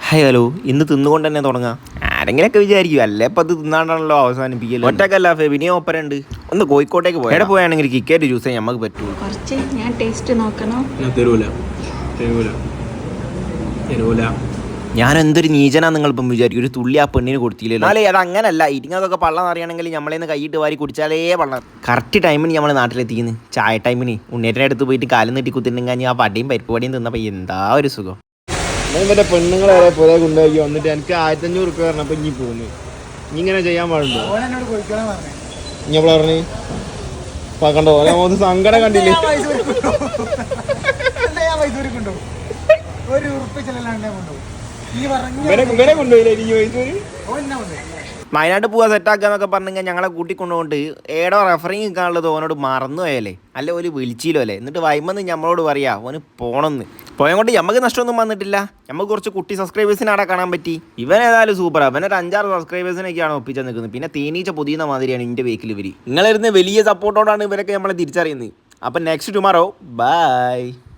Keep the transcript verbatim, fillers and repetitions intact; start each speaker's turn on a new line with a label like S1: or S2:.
S1: Hi hello, ഇന്ന് തിന്നുകൊണ്ട് തന്നെ തുടങ്ങാം. ആരെങ്കിലൊക്കെ വിചാരിക്കും അല്ലേ ഇപ്പം അത് തിന്നാണ്ടാണല്ലോ അവസാനിപ്പിക്കല്. ഒറ്റക്കല്ല ഫെബിനിയോ ഒപ്പരുണ്ട്. ഒന്ന് കോഴിക്കോട്ടേക്ക് പോയി എവിടെ പോയാണെങ്കിൽ കിക്കറ്റ് ജ്യൂസ് നമുക്ക് പറ്റുള്ളൂ.
S2: കുറച്ച് ഞാൻ ടേസ്റ്റ് നോക്കണം.
S3: തരൂല തരൂല തരൂല
S1: ഞാൻ എന്തൊരു നീചനാ നിങ്ങൾ ഇപ്പം വിചാരിക്കും. ഒരു തുള്ളി ആ പെണ്ണിന് കൊടുത്തില്ലല്ലോ. അല്ലേ അത് അങ്ങനല്ല. ഇരിങ്ങതൊക്കെ പള്ളം അറിയണമെങ്കിൽ നമ്മളേന്ന് കൈയിട്ട് വാരി കുടിച്ചാലേ പള്ളം. കറക്റ്റ് ടൈമിന് നമ്മൾ നാട്ടിലെത്തിക്കുന്നു. ചായ ടൈമിന് ഉണ്ണേറ്റിൻ്റെ അടുത്ത് പോയിട്ട് കാലം നീട്ടി കുത്തിട്ടുണ്ടെങ്കിൽ ആ പടിയും പരിപ്പ് പടിയും തിന്നപ്പോൾ എന്താ ഒരു സുഖം.
S3: മറ്റേ പെണ്ണുങ്ങളെ പുറകെ കൊണ്ടുപോയി വന്നിട്ട് എനിക്ക് ആയിരത്തഞ്ഞൂറ് റുപ്യ പറഞ്ഞപ്പോൾ ഇനി പോകുന്നു. ഇനി ഇങ്ങനെ ചെയ്യാൻ പാടുണ്ടോ? ഇനി എപ്പോഴാ പറഞ്ഞു കണ്ടോ ഓരോ സങ്കടം കണ്ടില്ലേ? ഇവരെ കൊണ്ടുപോയില്ലേ ഇനി മൈസൂര്?
S1: വയനാട് പോവാ സെറ്റാക്കുക എന്നൊക്കെ പറഞ്ഞെങ്കിൽ ഞങ്ങളെ കൂട്ടിക്കൊണ്ടുകൊണ്ട് ഏടോ റെഫറിങ് നിൽക്കാനുള്ളത് ഓനോട് മറന്നു പോയല്ലേ. അല്ലെ ഓല് വിളിച്ചില്ലോ അല്ലേ. എന്നിട്ട് വൈമെന്ന് നമ്മളോട് പറയാ ഓന് പോണമെന്ന്. പോയതുകൊണ്ട് നമുക്ക് നഷ്ടമൊന്നും വന്നിട്ടില്ല. നമുക്ക് കുറച്ച് കുട്ടി സബ്സ്ക്രൈബേഴ്സിനെ അവിടെ കാണാൻ പറ്റി. ഇവൻ ഏതായാലും സൂപ്പറാ. അവനൊരു അഞ്ചാറ് സബ്സ്ക്രൈബേഴ്സിനൊക്കെയാണ് ഒപ്പിച്ച് നിൽക്കുന്നത്. പിന്നെ തേനീച്ച പുതിയ മാതിരിയാണ് എൻ്റെ വേക്കിൽ ഇവർ. നിങ്ങളിരുന്ന് വലിയ സപ്പോർട്ടോടാണ് ഇവരൊക്കെ നമ്മളെ തിരിച്ചറിയുന്നത്. അപ്പം നെക്സ്റ്റ് ടുമാറോ ബൈ.